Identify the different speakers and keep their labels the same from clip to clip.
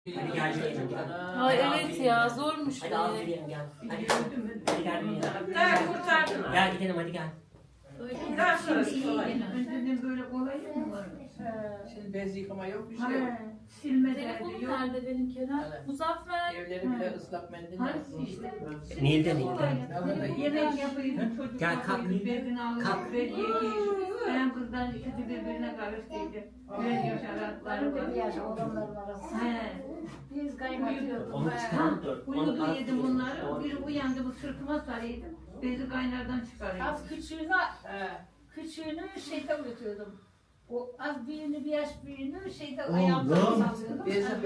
Speaker 1: Hadi gel gidelim gel.
Speaker 2: Ay evet ya zormuş.
Speaker 1: Hadi al gidelim gel. Hadi gel gidelim.
Speaker 3: Daha kurtardın.
Speaker 1: Gel gidelim hadi gel.
Speaker 3: Daha sonrası kolay.
Speaker 4: Önceden böyle kolay mı var?
Speaker 3: Şimdi bez yıkama yok bir şey yok.
Speaker 4: Silme
Speaker 2: Telefonum
Speaker 4: derdi yok.
Speaker 2: nerede benim Kerem?
Speaker 3: Evet.
Speaker 2: Muzaffer.
Speaker 3: Evleri bile ıslak mendil lazım.
Speaker 4: İşte.
Speaker 1: Nil'de.
Speaker 4: Yemek yapayım çocuk.
Speaker 1: Gel, kalk.
Speaker 4: Birbirine
Speaker 1: Kalk.
Speaker 4: alıyor. Ben yiyeyim. Ben kızdan ikisi birbirine karıştıydı. Ben yaşarakları var.
Speaker 5: Yaş olanların arası.
Speaker 4: He.
Speaker 5: Biz kaynatıyorduk.
Speaker 1: Onu çıkarın dur.
Speaker 4: Uyudu yedim bunları. Biri uyandı bu sırtıma sarıydım. Bezi kaynardan çıkarıyordum.
Speaker 5: Az küçüğünü şeyde uyutuyordum. O az büyüğünü, bir yaş büyüğünü şeyde ayağımda sallıyordum.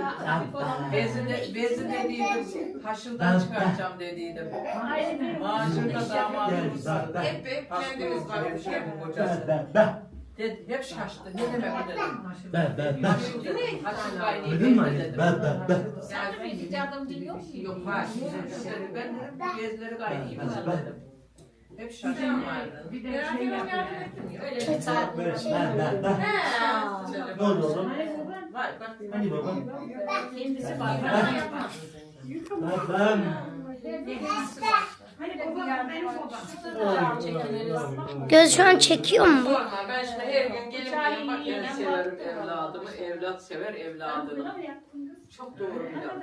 Speaker 3: Bezi dediydim. Haşırdan çıkaracağım dediydim.
Speaker 5: Aynı bir
Speaker 3: Maaşında damadımız vardı. Hep kendimiz varmış hem kocası. Hep şaştı. Ne demek o dedim. Haşır kaynayı dedim.
Speaker 5: Sen bir hiç yardımcı yok mu?
Speaker 3: Yok var. Ben dedim bu bezleri kaynayayım dedim. Hep şaşırım vardı.
Speaker 4: Bir de şey yapıyor.
Speaker 5: Öyle bir saat.
Speaker 6: Ne oldu oğlum?
Speaker 3: Var bak.
Speaker 6: Hani baba?
Speaker 5: Kendisi var.
Speaker 6: Ben.
Speaker 4: Hani babam benim babam.
Speaker 7: Göz şu an çekiyor mu?
Speaker 3: Sorma ben şimdi her gün gelip gelip bak ben severim evladımı. Evlat sever evladını. Çok doğru bir laf.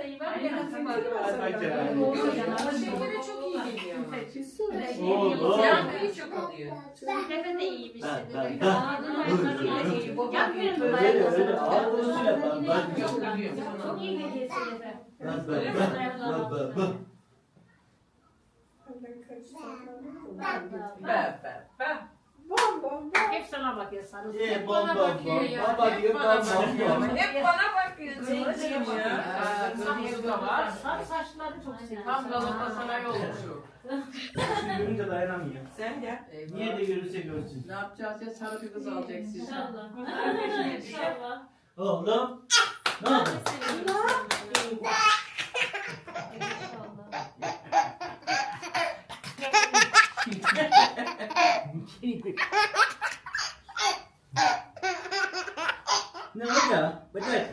Speaker 3: Şekeri çok iyi geliyor.
Speaker 6: Oğlum.
Speaker 3: Yankıyı çok alıyor.
Speaker 5: Neden de iyiymiş.
Speaker 6: Öyle öyle. Ağzını yapalım.
Speaker 3: Yok biliyorum.
Speaker 5: Çok iyi geliyor size. Hep sana bakıyor sarı.
Speaker 6: Hep bana bakıyor. Baba diyor ben bakıyorum.
Speaker 3: Hep bana bakıyor. Zenciğim ya. Kızımız da var.
Speaker 5: Sarı saçları çok seviyor.
Speaker 3: Tam Galatasaray olmuşum.
Speaker 6: Görünce dayanamıyor.
Speaker 3: Sen gel.
Speaker 6: Niye de görürse görsün.
Speaker 3: Ne yapacağız ya sarı bir kız alacaksın.
Speaker 2: İnşallah. İnşallah.
Speaker 6: Oğlum. Ne oldu? Ne oldu ya? Bırak.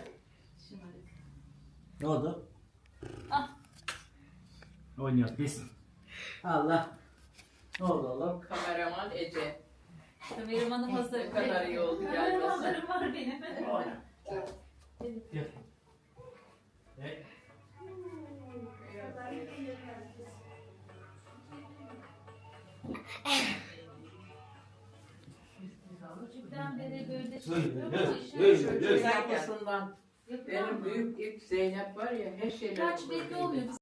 Speaker 6: Ne oldu?
Speaker 2: Ah.
Speaker 6: Oynuyor biz. Allah. Ne oldu oğlum?
Speaker 3: Kameraman Ece.
Speaker 2: Kameramanım hazır.
Speaker 3: Ne kadar iyi oldu gelmesi.
Speaker 2: Kameramanlarım var benim.
Speaker 6: Gel. Gel.
Speaker 2: Küçükten beri böyle
Speaker 6: Öyle.
Speaker 3: Sen yapısından. Benim büyük ilk Zeynep var ya her şeyler.
Speaker 2: Kaç belli olmuyor.